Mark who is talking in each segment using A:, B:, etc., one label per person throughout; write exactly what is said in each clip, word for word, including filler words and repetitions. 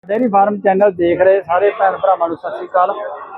A: Dairy farm channel देख रहे सारे भैन भरावां नूं सत श्री अकाल।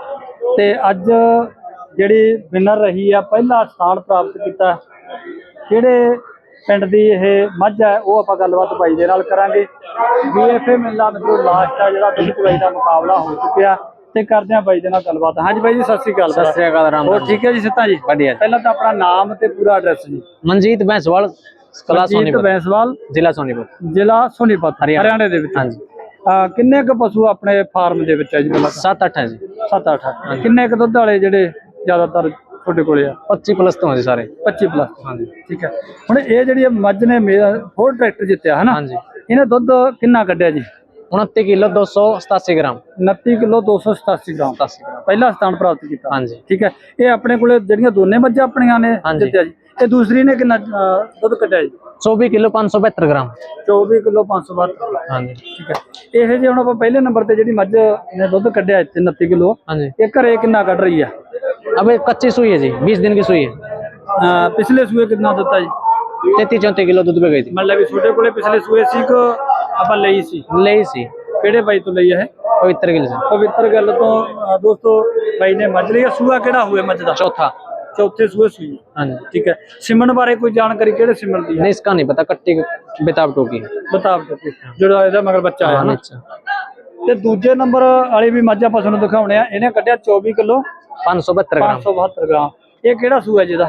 A: ते अज जिहड़ी विनर रही है पहला स्थान प्राप्त किया किहड़े पिंड दी इह मझ है वो आपां गलबात बाई दे नाल करांगे। बी एफ ए मेला मतलब लास्ट है जिहड़ा दुध चवाई दा मुकाबला हो चुकिया ते करदे हां बाई दे नाल गलबात। हाँ जी बाई जी सत श्री अकाल।
B: सत श्री अकाल राम।
A: और ठीक है जी सिता जी
B: बढ़िया।
A: पहला तो अपना नाम ते पूरा एड्रैस जी।
B: मनजीत बैंसवाल कला सोनीपत
A: बैंसवाल
B: जिला सोनीपत
A: जिला सोनीपत हरियाणा दे विच।
B: हाँ जी।
A: किन्ने क पशु अपने फार्म दे विच है जी?
B: सत्त अठ है जी।
A: सत्त अठ। किन्ने क दुध वाले जिहड़े ज्यादातर ਤੁਹਾਡੇ ਕੋਲੇ ਆ?
B: पच्ची प्लस तो जी सारे।
A: पच्ची प्लस।
B: हाँ जी
A: ठीक है। ਹੁਣ ਇਹ ਜਿਹੜੀ ਮੱਝ ਨੇ ਹੋਰ ਟਰੈਕਟਰ ਜਿੱਤਿਆ ਹੈ ਨਾ?
B: हाँ जी।
A: ਇਹਨੇ ਦੁੱਧ ਕਿੰਨਾ ਕੱਢਿਆ ਜੀ?
B: उनतीस किलो दो सौ सतासी ग्राम।
A: उनतीस किलो दो सौ सतासी ग्राम पहला स्थान प्राप्त किया।
B: हाँ जी।
A: ठीक है। ये अपने कोले ਜਿਹੜੀਆਂ ਦੋਨੇ ਮੱਝਾਂ ਆਪਣੀਆਂ ਨੇ ਜਿੱਤਿਆ ਜੀ। ਤੇ ਦੂਸਰੀ ਨੇ ਕਿੰਨਾ ਦੁੱਧ ਕੱਢਿਆ ਜੀ?
B: चौबीस किलो पाँच सौ बहत्तर ग्राम।
A: चौबीस किलो पाँच सौ बहत्तर।
B: हाँ जी।
A: ठीक है। ਇਹ ਜੇ ਹੁਣ ਆਪਾਂ ਪਹਿਲੇ ਨੰਬਰ ਤੇ ਜਿਹੜੀ ਮੱਝ ਨੇ ਦੁੱਧ ਕੱਢਿਆ ਇੱਥੇ उनतीस किलो
B: हाँ जी।
A: ਇਹ ਘਰੇ ਕਿੰਨਾ ਕੱਢ ਰਹੀ ਆ?
B: अब एक कच्ची सुई है जी, बीस दिन की सुई है।
A: ਪਿਛਲੇ ਸੂਏ ਕਿੰਨਾ ਦਿੱਤਾ ਜੀ?
B: तैतीस चौंतीस किलो दूध पे गई थी।
A: ਮਤਲਬ ਵੀ ਤੁਹਾਡੇ ਕੋਲੇ ਪਿਛਲੇ ਸੂਏ ਸੀ ਕਿ ਆਪਾਂ ਲਈ ਸੀ?
B: ले सी
A: ਕਿਹੜੇ ਬਾਈ ਤੋਂ ਲਈ ਹੈ?
B: पवित्र गिल से।
A: ਪਵਿੱਤਰ ਗੱਲ ਤੋਂ ਅ, ਦੋਸਤੋ ਬਾਈ ਨੇ ਮੱਝ ਲਈ ਆ। ਸੂਆ ਕਿਹੜਾ ਹੋਇਆ ਮੱਝ ਦਾ?
B: चौथा।
A: चौथे सूए सूई।
B: हाँ जी।
A: ठीक है। सिमन बारे कोई जानकारी केड़े सिमन दी है?
B: नहीं इसका नहीं पता, कट्टी बेताब टोकी
A: बता दो जो ਇਹਦਾ ਮਗਰ ਬੱਚਾ ਆਇਆ ਨਾ।
B: अच्छा।
A: ਤੇ ਦੂਜੇ ਨੰਬਰ ਵਾਲੀ ਵੀ ਮੱਝ ਆਪਾਂ ਤੁਹਾਨੂੰ ਦਿਖਾਉਣੇ ਆ। ਇਹਨੇ ਕੱਢਿਆ चौबीस किलो
B: पाँच सौ बहत्तर ग्राम।
A: पाँच सौ बहत्तर ग्राम। ਇਹ ਕਿਹੜਾ ਸੂਆ ਜਿਹਦਾ?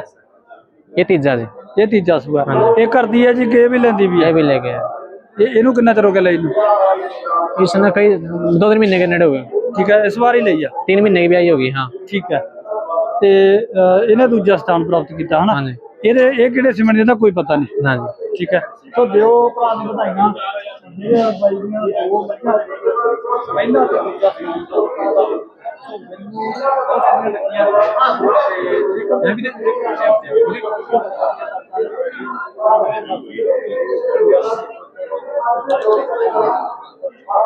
B: ये तीजा जी।
A: ਇਹ ਤੀਜਾ ਸੂਆ। ਇਹ ਕਰਦੀ ਹੈ ਜੀ ਕਿ ਇਹ ਵੀ ਲੈਂਦੀ ਵੀ
B: ये
A: ਹੈ?
B: भी ले गया।
A: ਇਹ ਇਹਨੂੰ ਕਿੰਨਾ ਚਿਰ ਹੋ ਗਿਆ ਲਈ ਨੂੰ?
B: इसने कई दो तीन महीने के नेड़े हो गए।
A: ਠੀਕ ਹੈ। ਇਸ ਵਾਰ ਹੀ ਲਈ ਆ।
B: तीन महीने की भी आई होगी। हाँ।
A: ਠੀਕ ਹੈ। ਤੇ ਅ, ਇਹਨੇ ਦੂਜਾ ਸਥਾਨ ਪ੍ਰਾਪਤ ਕੀਤਾ ਹਨਾ?
B: हाँ जी।
A: ਇਹਦੇ ਇਹ ਕਿਹੜੇ ਸਿਮਨ ਜਿਹਦਾ ਕੋਈ ਪਤਾ ਨਹੀਂ।
B: हाँ जी।
A: ठीक है। तो दियो भरा दी बधाइयां। ये बाई दियां दो मੱਝਾਂ ਪਹਿਲਾ ਤੇ ਦੂਜਾ ਸਥਾਨ बहुत सोहणियां लगियां ते एक भी